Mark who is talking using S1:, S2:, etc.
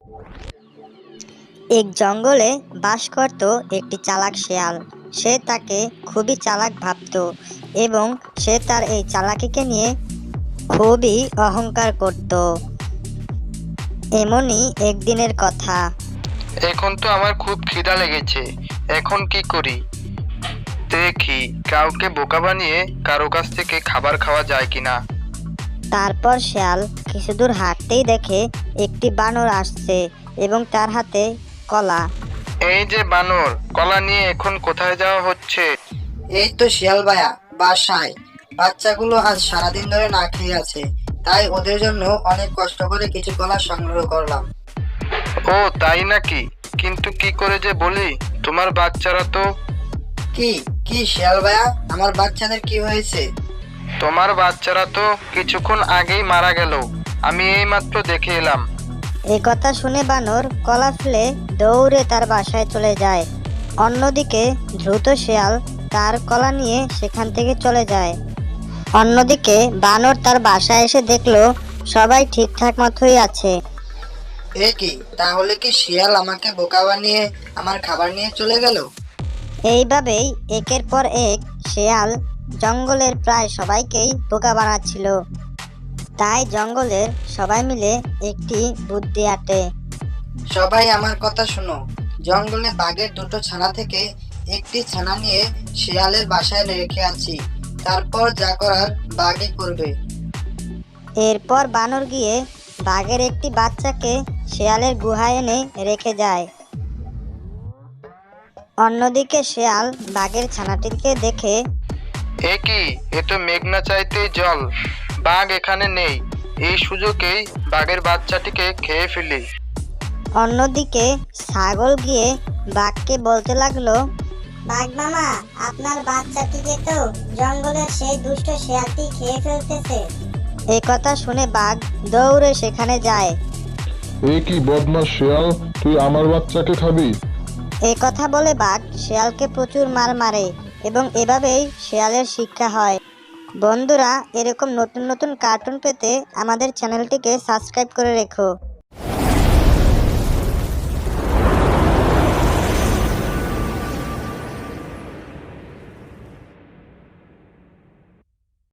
S1: এক জঙ্গলে বাস করত একটি চালাক শেয়াল। সে তাকে খুবই চালাক ভাবত এবং সে তার এই চালাকিকে নিয়ে খুবই অহংকার করত। এমনই একদিনের কথা।
S2: এখন তো আমার খুব খিদা লেগেছে, এখন কি করি? দেখি কাউকে বোকা বানিয়ে কারো কাছ থেকে খাবার খাওয়া যায় কিনা।
S1: তারপর শেয়াল কিছু দূর হাঁটতেই দেখে একটি বানর আসছে এবং তার হাতে কলা।
S2: এই যে বানর, কলা নিয়ে এখন কোথায় যাওয়া হচ্ছে?
S3: এই তো শিয়াল ভাইয়া, বাসায়। বাচ্চাগুলো আজ সারাদিন ধরে না খেয়ে আছে, তাই ওদের জন্য অনেক কষ্ট করে কিছু কলা সংগ্রহ করলাম।
S2: ও তাই নাকি? কিন্তু কি করে যে বলি, তোমার বাচ্চারা তো...
S3: কি কি শিয়াল ভাইয়া, আমার বাচ্চাদের কি হয়েছে?
S2: তোমার বাচ্চারা তো কিছুক্ষণ আগেই মারা গেল, আমি এইমাত্র দেখে এলাম।
S1: এ কথা শুনে বানর কলা ফেলে দৌড়ে তার বাসায় চলে যায়। অন্যদিকে দ্রুত শেয়াল তার কলা নিয়ে সেখান থেকে চলে যায়। অন্যদিকে বানর তার বাসায় এসে দেখলো সবাই ঠিকঠাক মতোই আছে।
S3: এ কি, তাহলে কি শিয়াল আমাকে বোকা বানিয়ে আমার খাবার নিয়ে চলে গেল?
S1: এইভাবেই একের পর এক শেয়াল জঙ্গলের প্রায় সবাইকেই বোকা বানাচ্ছিল। তাই জঙ্গলের সবাই মিলে একটি বুদ্ধি আঁটে।
S3: সবাই আমার কথা শোনো, জঙ্গলে বাঘের দুটো ছানা থেকে একটি ছানা নিয়ে শিয়ালের বাসায় রেখে আছি, তারপর যা করার বাঘই করবে।
S1: এরপর বানর গিয়ে বাঘের একটি বাচ্চাকে শেয়ালের গুহায় এনে রেখে যায়। অন্যদিকে শেয়াল বাঘের ছানাটিকে দেখে
S2: এ কি, এ তো মেঘনা চাইতেই জল, বাঘ এখানে নেই, এই সুযোগেই বাঘের বাচ্চাটিকে খেয়ে ফেলি।
S1: অন্যদিকে ছাগল গিয়ে বাঘকে বলতে লাগলো, বাঘ মামা, আপনার বাচ্চাটিকে তো জঙ্গলের সেই দুষ্ট শেয়ালটি খেয়ে ফেলতেছে। এই কথা শুনে বাঘ দৌড়ে সেখানে যায়।
S4: এ কি বদমাস শিয়াল, তুই আমার বাচ্চাকে খাবি?
S1: এই কথা বলে বাঘ শেয়ালকে প্রচুর মার মারে এবং এভাবেই শেয়ালের শিক্ষা হয়। বন্ধুরা, এরকম নতুন নতুন কার্টুন পেতে আমাদের চ্যানেলটিকে সাবস্ক্রাইব করে রেখো।